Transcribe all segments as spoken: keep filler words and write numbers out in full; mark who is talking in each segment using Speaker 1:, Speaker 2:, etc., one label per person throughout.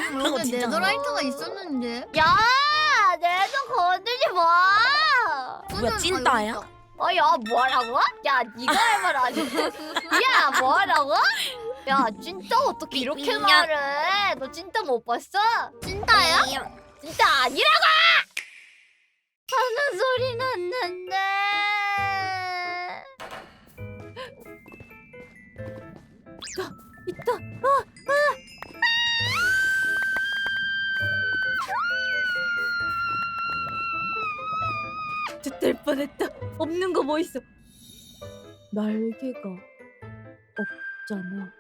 Speaker 1: 그거
Speaker 2: 여기
Speaker 1: 진짜
Speaker 2: 네더라이트가 있었는데.
Speaker 3: 야, 내도 건들지 마.
Speaker 1: 뭐야 찐따야?
Speaker 3: 어, 야, 뭐라고? 야, 네가 할 말 아니야. 야, 뭐라고? 야, 찐따 어떻게 이렇게
Speaker 1: 미안.
Speaker 3: 말해? 너 찐따 못 봤어?
Speaker 2: 찐따야?
Speaker 3: 찐따 아니라고! 하는 소리 났는데. 있다, 있다. 아, 아. 될 뻔했다. 없는 거 뭐 있어? 날개가 없잖아.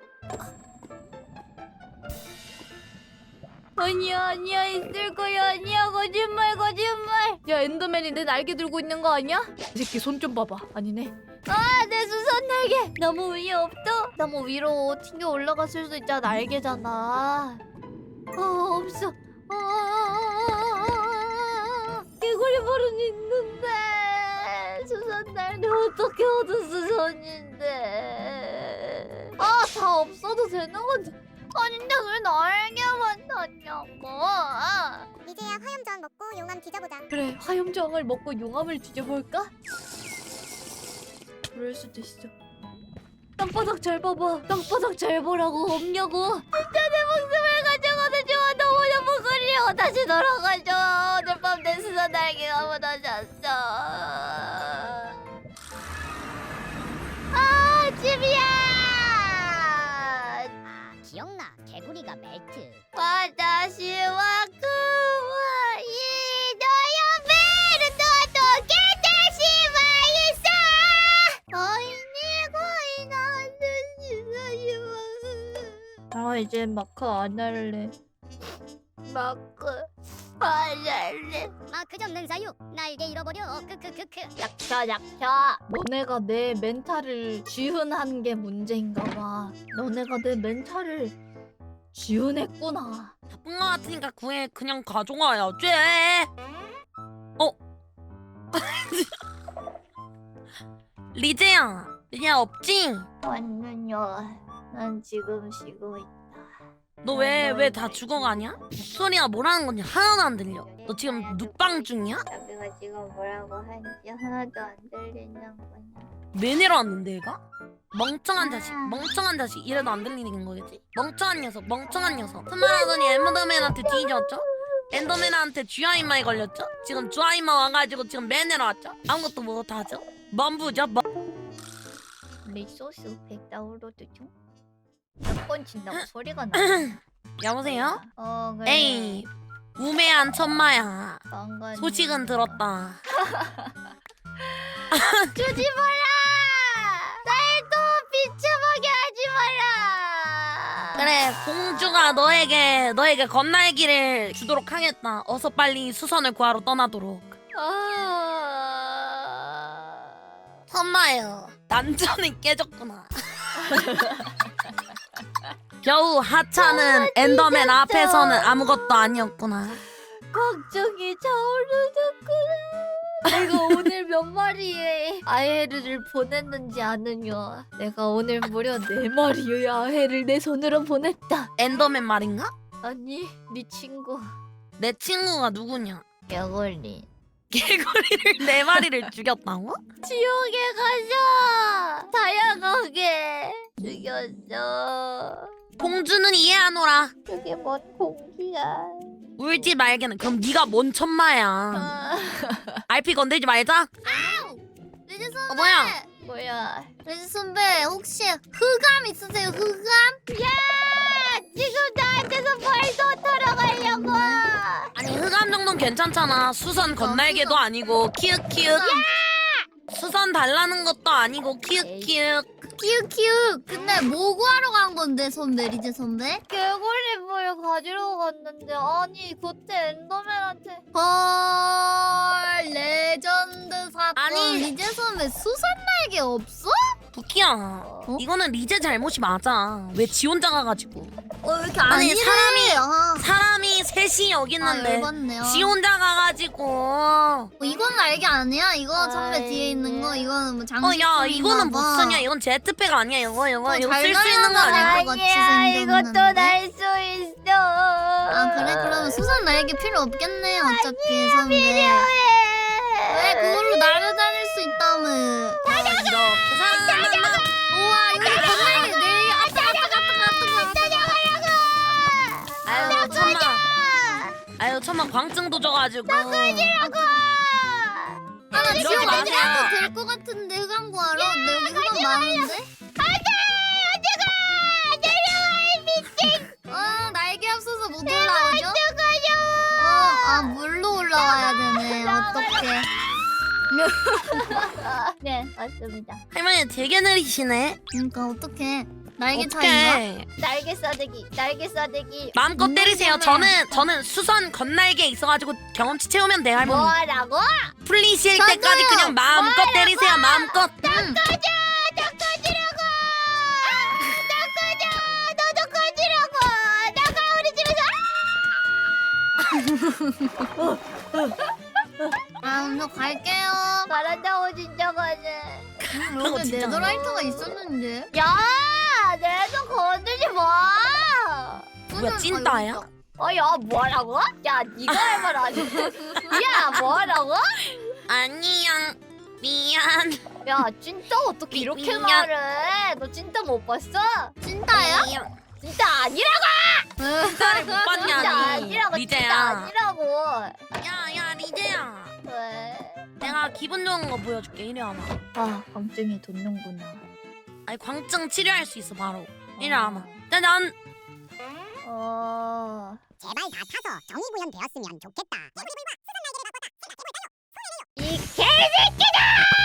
Speaker 3: 아니야 아니야 있을 거야 아니야 거짓말 거짓말. 야 엔더맨이 내 날개 들고 있는 거 아니야? 이 새끼 손 좀 봐봐. 아니네. 아 내 수선 날개 너무 위에 없어? 너무 위로 튕겨 올라갔을 수 있잖아. 날개잖아. 어 없어. 어, 개구리 벌은 있는데 수선 날개 어떻게 얻은 수선인데? 아 다 없어도 되는 건데. 아닌데 왜 날개만 탔냐고.
Speaker 4: 이제야 화염저항 먹고 용암 뒤져보자.
Speaker 3: 그래 화염정을 먹고 용암을 뒤져볼까? 그럴 수도 있어. 땅바닥 잘 봐봐. 땅바닥 잘 보라고. 없냐고. 진짜 내 목숨을 가져가도 좋아. 너무너무 그리워. 다시 돌아가줘. 오늘 밤 내 수선 날개가 무너졌어. 아 집이야.
Speaker 4: 기억나, 개구리가 멜트.
Speaker 3: 와다시와 그와 이너야 베르도도 게다시마 있어. 어이니 거의 나는 아 이제 마크 안 할래. 마크 안 할래.
Speaker 4: 마크 접는 사유, 날개 잃어버려. 크크크크.
Speaker 3: 약차 약차. 너네가 내 멘탈을 지훈한 게 문제인가 봐. 너네가 내 멘탈을 지훈했구나.
Speaker 1: 나쁜 거 같으니까 구해 그냥 가져가야지. 어? 리제야 리제야 없지?
Speaker 3: 완는요. 난 지금 쉬고 있다.
Speaker 1: 너 왜 왜 다 죽어가냐? 목소리가 뭐라는 건지 하나도 안 들려. 너 지금 눕방 중이야?
Speaker 3: 자기가 지금 뭐라고 하는지 하나도 안 들리는 거냐?
Speaker 1: 왜 내려왔는데 얘가? 멍청한 자식 멍청한 자식 이래도 안 들리는 거겠지? 멍청한 녀석 멍청한 녀석 스마라더니 엔더맨한테 뒤졌죠? 엔더맨한테 쥐아이마에 걸렸죠? 지금 쥐아이마 와가지고 지금 매 내려왔죠? 아무것도 못하죠? 멈부죠? 멈...
Speaker 3: 리소스 백 다운로드 중? 몇 번 친다고 소리가 나.
Speaker 1: 여보세요?
Speaker 3: 어 그래.
Speaker 1: 에이 우매한 천마야
Speaker 3: 방금
Speaker 1: 소식은 들었다.
Speaker 3: 주지 마라. 날 또 비참하게 하지 마라.
Speaker 1: 그래 공주가 너에게 너에게 건날기를 주도록 하겠다. 어서 빨리 수선을 구하러 떠나도록.
Speaker 3: 아...
Speaker 1: 천마요 난전이 깨졌구나. 겨우 하차는 엔더맨 앞에서는 아무것도 아니었구나.
Speaker 3: 걱정이 차오르는구나. 내가 오늘 몇 마리의 아해를 보냈는지 아느냐. 내가 오늘 무려 네 마리의 아해를 내 손으로 보냈다.
Speaker 1: 엔더맨 말인가?
Speaker 3: 아니 네 친구
Speaker 1: 내 친구가 누구냐?
Speaker 3: 개걸리.
Speaker 1: 개구리를 네 마리를 죽였다고?
Speaker 3: 지옥에 가자. 다양하게 죽였어.
Speaker 1: 공주는 이해하노라.
Speaker 3: 그게 뭔 공기야.
Speaker 1: 울지 말게는 그럼 네가 뭔 천마야.
Speaker 3: 아...
Speaker 1: 알피 건들지 말자.
Speaker 2: 리즈 선배.
Speaker 1: 어 뭐야?
Speaker 3: 뭐야.
Speaker 2: 리즈 선배 혹시 흑암 있으세요? 흑암?
Speaker 3: 야! 지금 나한테서 벌써 돌아가려고.
Speaker 1: 아니 흑암 정도는 괜찮잖아. 수선 건날개도 아니고 키읔키읔. 수선 달라는 것도 아니고 키읔키읔.
Speaker 2: 키읔키읔. 근데 뭐 구하러 간 건데 선배 리즈 선배?
Speaker 3: 개구리 물 가지러 갔는데 아니 그때 엔더맨한테
Speaker 2: 헐 레전드 사건.
Speaker 1: 아니.
Speaker 2: 리즈 선배 수선 날개 없어?
Speaker 1: 부키야
Speaker 3: 어?
Speaker 1: 이거는 리제 잘못이 맞아. 왜 지 혼자 가가지고.
Speaker 2: 어 왜 이렇게 안
Speaker 1: 아니,
Speaker 2: 이래?
Speaker 1: 사람이-
Speaker 2: 아,
Speaker 1: 사람이 셋이 여기
Speaker 2: 아
Speaker 1: 있는데
Speaker 2: 열받네요.
Speaker 1: 지 혼자 가가지고.
Speaker 2: 어, 이건 날개 아니야? 이거 선배
Speaker 3: 아이,
Speaker 2: 뒤에 있는 거
Speaker 3: 네.
Speaker 2: 이거는 뭐
Speaker 1: 어
Speaker 2: 장식.
Speaker 1: 야 이거는 못 쓰냐. 이건 제트팩 아니야. 이거 이거
Speaker 2: 어,
Speaker 1: 이거
Speaker 2: 잘
Speaker 1: 쓸 수 있는 거
Speaker 2: 날아가네.
Speaker 1: 아니야?
Speaker 2: 같이
Speaker 3: 아니야
Speaker 2: 생겼는데?
Speaker 3: 이것도 날 수 있어.
Speaker 2: 그래 그러면 수선 날개 필요 없겠네 어차피 선배. 왜 그걸로 날아다닐 수 있다며.
Speaker 1: 이렇게 사랑한다.
Speaker 2: 우와 여기 건날개 내 아따 아따 아따 아따 아따.
Speaker 1: 아유 천만. 아유 천만 광증도 져가지고.
Speaker 2: 아나
Speaker 1: 이러지
Speaker 2: 지금
Speaker 1: 마세요.
Speaker 2: 언제 한번 될것 같은데 흑암 구하러. 나 여기 흑암 많은데? 어 날개 없어서 못 올라오죠? 어, 아 물로 올라와야 되네. 어떡해.
Speaker 3: 네 맞습니다.
Speaker 1: 할머니 되게 느리시네.
Speaker 2: 그러니까 어떡해. 날개 차이인가?
Speaker 1: 어떡해.
Speaker 3: 날개 싸대기 날개 싸대기.
Speaker 1: 마음껏
Speaker 2: 음,
Speaker 1: 때리세요.
Speaker 2: 때문에.
Speaker 1: 저는 저는 수선 건날개 있어가지고 경험치 채우면 돼 할머니.
Speaker 3: 뭐라고?
Speaker 1: 풀리실
Speaker 2: 저도요.
Speaker 1: 때까지 그냥 마음껏 때리세요. 마음껏. 응.
Speaker 2: 아 오늘 갈게요.
Speaker 3: 잘한다고 진짜 가네.
Speaker 1: 그런 거
Speaker 2: 여기
Speaker 1: 진짜
Speaker 2: 네더라이트가 있었는데.
Speaker 3: 야, 내도 건들지 마.
Speaker 1: 뭐야 찐따야?
Speaker 3: 어, 야, 뭐라고? 야, 네가 할 말 아니야. 야, 뭐라고?
Speaker 1: 아니야. 미안.
Speaker 3: 야, 찐따 어떻게 이렇게
Speaker 1: 미안.
Speaker 3: 말해? 너 찐따 못 봤어?
Speaker 2: 찐따야?
Speaker 1: 미안.
Speaker 3: 찐따 아니라고!
Speaker 1: 찐따를 못
Speaker 3: 찐따
Speaker 1: 봤냐니.
Speaker 3: 아니라고, 찐따
Speaker 1: 리제야.
Speaker 3: 아니라고.
Speaker 1: 야야 리제야.
Speaker 3: 왜?
Speaker 1: 내가 기분 좋은 거 보여줄게. 이리 와봐.
Speaker 3: 아, 감정이 돋는구나.
Speaker 1: 아니 광증 치료할 수 있어 바로. 이리 와봐. 난
Speaker 3: 어...
Speaker 4: 제발 다 타서 정의 구현되었으면 좋겠다.
Speaker 3: 이 개새끼들!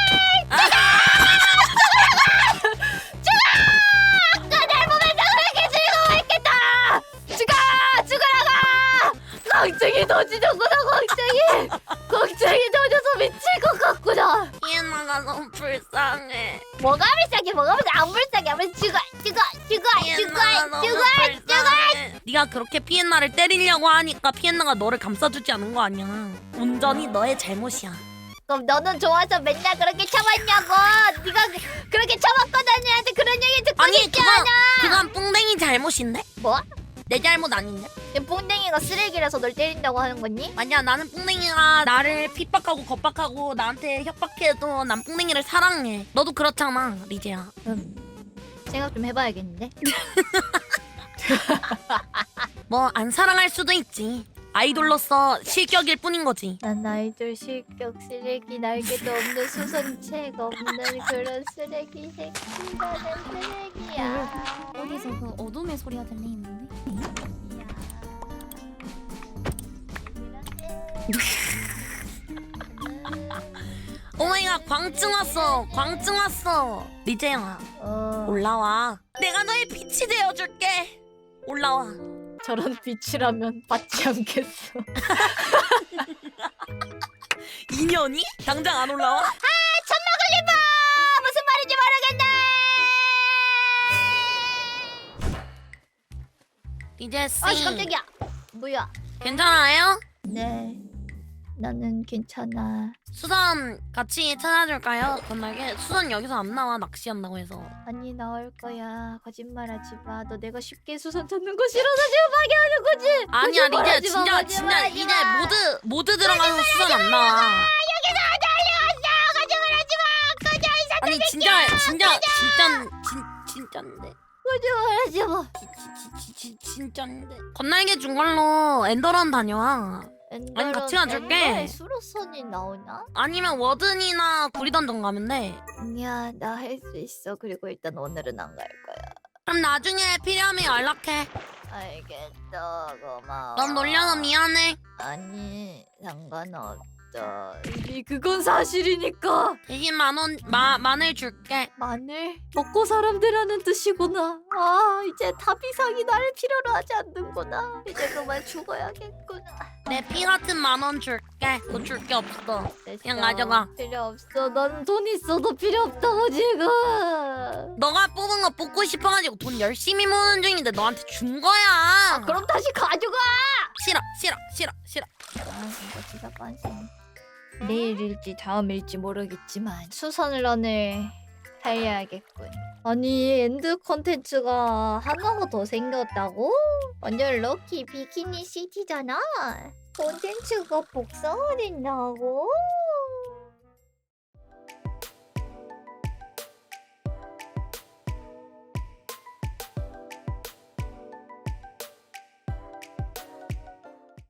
Speaker 3: 아까 날 보면서 그렇게 즐거워했겠다! 죽어! 죽으라고! 걱정이 터지는구나 걱정이! 걱정이 터져서 미칠 것 같구나!
Speaker 1: 피에나가 너무 불쌍해.
Speaker 3: 뭐가 불쌍해 뭐가 불쌍해 안 불쌍해 안 불쌍해 죽어 죽어 죽어
Speaker 1: 피에나가
Speaker 3: 죽어
Speaker 1: 너무
Speaker 3: 죽어
Speaker 1: 불쌍해. 네가 그렇게 피에나를 때리려고 하니까 피에나가 너를 감싸주지 않은 거 아니야. 온전히 너의 잘못이야.
Speaker 3: 그럼 너는 좋아서 맨날 그렇게 참았냐고 네가 그- 그렇게 참았거든 얘한테 그런 얘기 듣고
Speaker 1: 아니
Speaker 3: 싶지
Speaker 1: 그건
Speaker 3: 않아
Speaker 1: 그건 뿡댕이 잘못인데?
Speaker 3: 뭐?
Speaker 1: 내 잘못 아닌데?
Speaker 3: 내 뽕댕이가 쓰레기라서 널 때린다고 하는 거니?
Speaker 1: 아니야 나는 뿡댕이가 나를 핍박하고 겁박하고 나한테 협박해도 난 뿡댕이를 사랑해. 너도 그렇잖아 리제야.
Speaker 3: 음 생각 좀 해봐야겠는데?
Speaker 1: 뭐 안 사랑할 수도 있지. 아이돌로서 실격일 뿐인 거지.
Speaker 3: 난 아이돌 실격 쓰레기 날개도 없는 수선책 없는 그런 쓰레기 새끼라는 쓰레기야
Speaker 2: 어디서 그 어둠의 소리가 들리는데?
Speaker 1: 오마이갓 광증 왔어. 광증 왔어. 리제야
Speaker 3: 어...
Speaker 1: 올라와. 내가 너의 빛이 되어줄게. 올라와.
Speaker 3: 저런 빛이라면 받지 않겠어.
Speaker 1: 인연이? 당장 안 올라와?
Speaker 3: 천막을리봐 무슨 말인지 모르겠네.
Speaker 1: 리제씨
Speaker 3: 아 깜짝이야. 뭐야?
Speaker 1: 괜찮아요?
Speaker 3: 네, 나는 괜찮아.
Speaker 1: 수선 같이 찾아줄까요? 건날개 수선 여기서 안 나와 낚시한다고 해서.
Speaker 3: 아니 나올 거야. 거짓말하지 마. 너 내가 쉽게 수선 찾는 거 싫어서 지금 방해하는 거지.
Speaker 1: 아니야 리제
Speaker 3: 거짓말하지 마,
Speaker 1: 진짜 진짜
Speaker 3: 거짓말하지
Speaker 1: 리제
Speaker 3: 마.
Speaker 1: 모드 모드 들어가서 수선 안 나와. 아니 진짜 진짜 진짜 진 진짜인데
Speaker 3: 거짓말하지 마.
Speaker 1: 지, 지, 지, 진짜인데 건날개 준 걸로 엔더런 다녀와. 아니, 같이 가줄게.
Speaker 3: 엔더에 수로선이 나오나?
Speaker 1: 아니면 워든이나 구리던전 가면 돼.
Speaker 3: 아니야 나 할 수 있어. 그리고 일단 오늘은 안 갈 거야.
Speaker 1: 그럼 나중에 필요하면 연락해.
Speaker 3: 알겠어 고마워.
Speaker 1: 넌 놀려서 미안해.
Speaker 3: 아니 상관없어. 이미 그건 사실이니까.
Speaker 1: 대신 만원 마 마늘 줄게.
Speaker 3: 마늘 먹고 사람 되라는 뜻이구나. 아 이제 탑이상이 나를 필요로 하지 않는구나. 이제 그만 죽어야겠구나.
Speaker 1: 내 피 같은 만 원 줄게. 너 줄 게 없어.
Speaker 3: 됐어.
Speaker 1: 그냥 가져가.
Speaker 3: 필요 없어. 넌 돈 있어도 필요 없다고 지금.
Speaker 1: 너가 뽑은 거 뽑고 싶어가지고 돈 열심히 모으는 중인데 너한테 준 거야.
Speaker 3: 아, 그럼 다시 가져가.
Speaker 1: 싫어 싫어 싫어 싫어.
Speaker 3: 아 진짜 진짜 빤스. 내일일지 다음일지 모르겠지만 수선을 오늘 달려야겠군. 아니 엔드 컨텐츠가 하나가 더 생겼다고? 완전 럭키 비키니 시티잖아. 콘텐츠가 복사가 된다고?